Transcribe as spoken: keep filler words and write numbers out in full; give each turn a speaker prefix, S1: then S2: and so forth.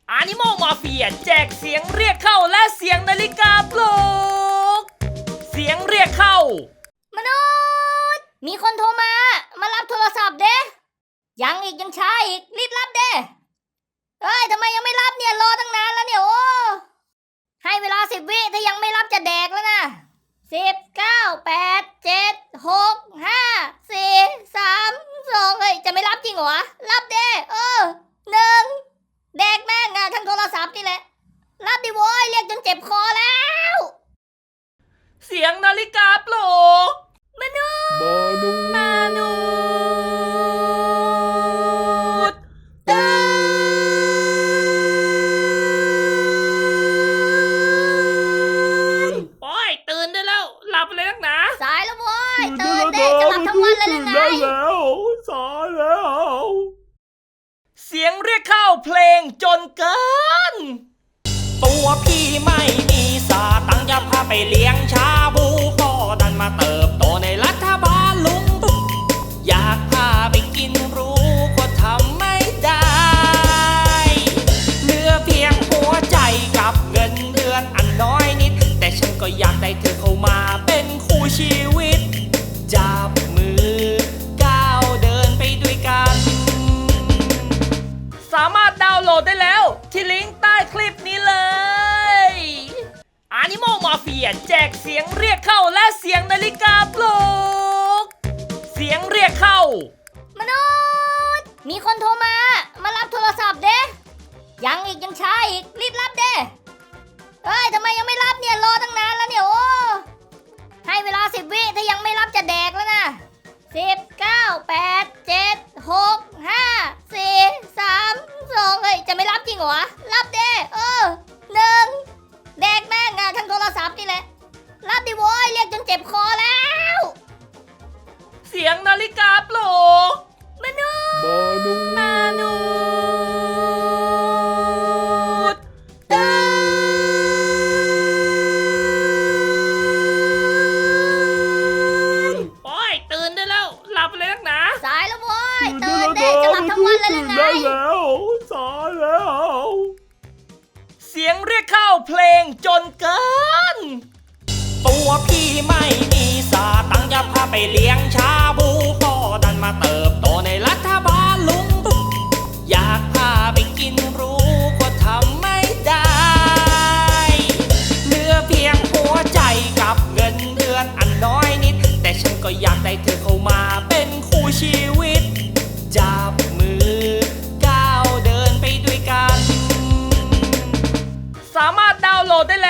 S1: Animal Mafia แจกเสียงเรียกเข้าและเสียงนาฬิกาปลุกเสียงเรียกเข้ามนุษย์มีคนโทรมามารับโทรศัพท์เด้ยังอีกยังช้าอีกรีบรับเด้เอ้ยทำไมยังไม่รับเนี่ยรอตั้งนานแล้วเนี่ยโอ้ให้เวลาสิบวิถ้ายังไม่รับจะแดกแล้วนะสิบเก้าแปดเจ็ดหกห้าสี่สามสองเฮ้ยจะไม่รับจริงเหรอรับเด้เออหนึ่งแดกแม่งอะทั้งโทรศัพท์นี่แหละรับดิโว้ยเรียกจนเจ็บคอแล้วเสียงนาฬิกาปลุกมนุษย์มนุษย์ตื่นโอ้ยตื่นได้แล้วหลับเลยนักหนาสายแล้วโว้ยตื่นเด้จะหลับทั้งวันเลยหรือไง
S2: แล้วสายแล้ว
S1: เสียงเรียกเข้าเพลงจนเกินตัวพี่ไม่มีสาตังจะพาไปเลี้ยงชาบูพ่อดันมาเติบโตในรัฐบาลลุงตุ๊กอยากพาไปกินรู้ก็ทำไม่ได้เหลือเพียงหัวใจกับเงินเดือนอันน้อยนิดแต่ฉันก็อยากได้เธอเข้ามาเป็นคู่ชีวิตจับมือก้าวเดินไปด้วยกันสามารถดาวน์โหลดได้แล้วที่ลิงก์ใต้คลิปนี้เลย Animal Mafia แจกเสียงเรียกเข้าและเสียงนาฬิกาปลุกเสียงเรียกเข้ามนุษย์มีคนโทรมามารับโทรศัพท์เด้ยังอีกยังช้าอีกรีบรับเด้เอ้ยทำไมยังไม่รับเนี่ยรอตั้งนานแล้วเนี่ยโอ้ให้เวลาสิบวิถ้ายังไม่รับจะแดกแล้วนะสิบเก้าแปดเจ็ดหกห้าสี่สามสองเฮ้ยจะไม่รับจริงเหรอรับเด้เออหนึ่งแดกแม่งอะทั้งโทรศัพท์นี่แหละรับดิโว้ยเรียกจนเจ็บคอแล้วเสียงนาฬิกาปลุกมนุษย์มนุษย์ตื่นโอ้ยตื่นได้แล้วหลับเลยนักหนาสายแล้วโว้ยตื่นเด้จะหลับทั้งวันเลยหรือไง
S2: แล้วสายแล้ว
S1: เสียงเรียกเข้าเพลงจนเกินตัวพี่ไม่มีสาตังจะพาไปเลี้ยงชาบูพ่อดันมาเติบโตในรัฐบาลลุงตุ๊กอยากพาไปกินรู้ก็ทำไม่ได้เหลือเพียงหัวใจกับเงินเดือนอันน้อยนิดแต่ฉันก็อยากได้เธอเข้ามาเป็นคู่ชีวิตจับมือก้าวเดินไปด้วยกันสามารถดาวน์โหลดได้แล้ว